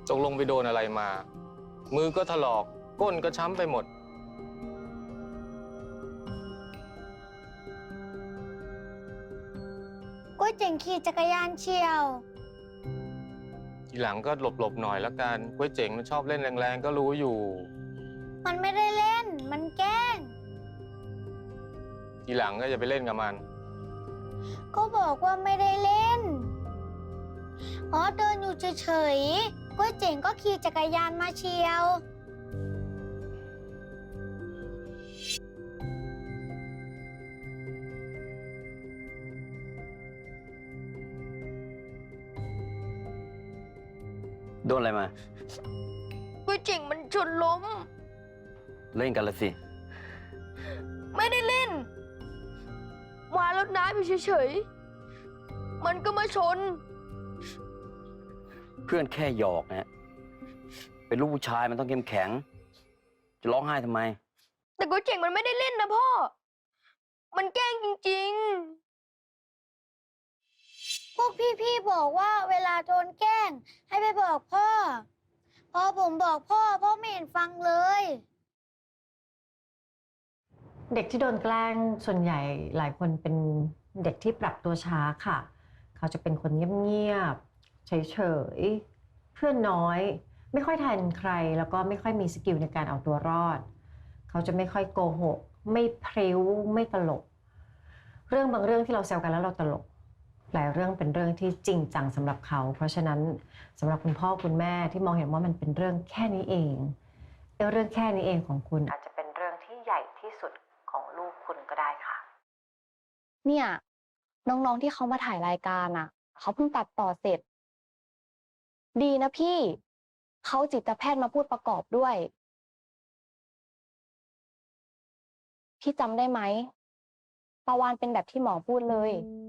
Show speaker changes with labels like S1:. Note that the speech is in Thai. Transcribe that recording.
S1: ตกลงไปโดนอะไรมา มือก็ถลอกก้นก็ช้ำไปหมด
S2: ก๋วยเจ๋งขี่จักรยานเฉี่ยว
S1: ทีหลังก็หลบๆหน่อยละกันก๋วยเจ๋งมันชอบเล่นแรงๆก็รู้อยู่
S2: มันไม่ได้เล่นมันแกล้ง
S1: ทีหลังก็อย่าไปเล่นกับมัน
S2: ก็บอกว่าไม่ได้เล่นอ๋อเดินอยู่เฉยๆก๋วยเจ๋งก็ขี่จักรยานมาเฉี่ยว
S3: โดนอะไรมา
S4: ก๋วยเจ๋งมันชนล้ม
S3: เล่นกันละสิ
S4: ไม่ได้เล่นวางรถน้ำอยู่เฉยๆมันก็มาชน
S3: เพื่อนแค่หยอกนะเป็นลูกผู้ชายมันต้องเข้มแข็งจะร้องไห้ทำไม
S4: แต่ก๋วยเจ๋งมันไม่ได้เล่นนะพ่อมันแกล้งจริง
S2: พวกพี่ๆบอกว่าเวลาโดนแกล้งให้ไปบอกพ่อพอผมบอกพ่อไม่เห็นฟังเลย
S5: เด็กที่โดนแกล้งส่วนใหญ่หลายคนเป็นเด็กที่ปรับตัวช้าค่ะเขาจะเป็นคนเงียบๆเฉยๆเพื่อนน้อยไม่ค่อยทันใครแล้วก็ไม่ค่อยมีสกิลในการเอาตัวรอดเขาจะไม่ค่อยโกหกไม่พริ้วไม่ตลกเรื่องบางเรื่องที่เราแซวกันแล้วเราตลกหลายเรื่องเป็นเรื่องที่จริงจังสำหรับเขาเพราะฉะนั้นสำหรับคุณพ่อคุณแม่ที่มองเห็นว่ามันเป็นเรื่องแค่นี้เองเรื่องแค่นี้เองของคุณอาจจะเป็นเรื่องที่ใหญ่ที่สุดของลูกคุณก็ได้ค่ะ
S6: เนี่ยน้องๆที่เขามาถ่ายรายการอ่ะเขาเพิ่งตัดต่อเสร็จดีนะพี่เขาจิตแพทย์มาพูดประกอบด้วยพี่จำได้ไหมปาวานเป็นแบบที่หมอพูดเลย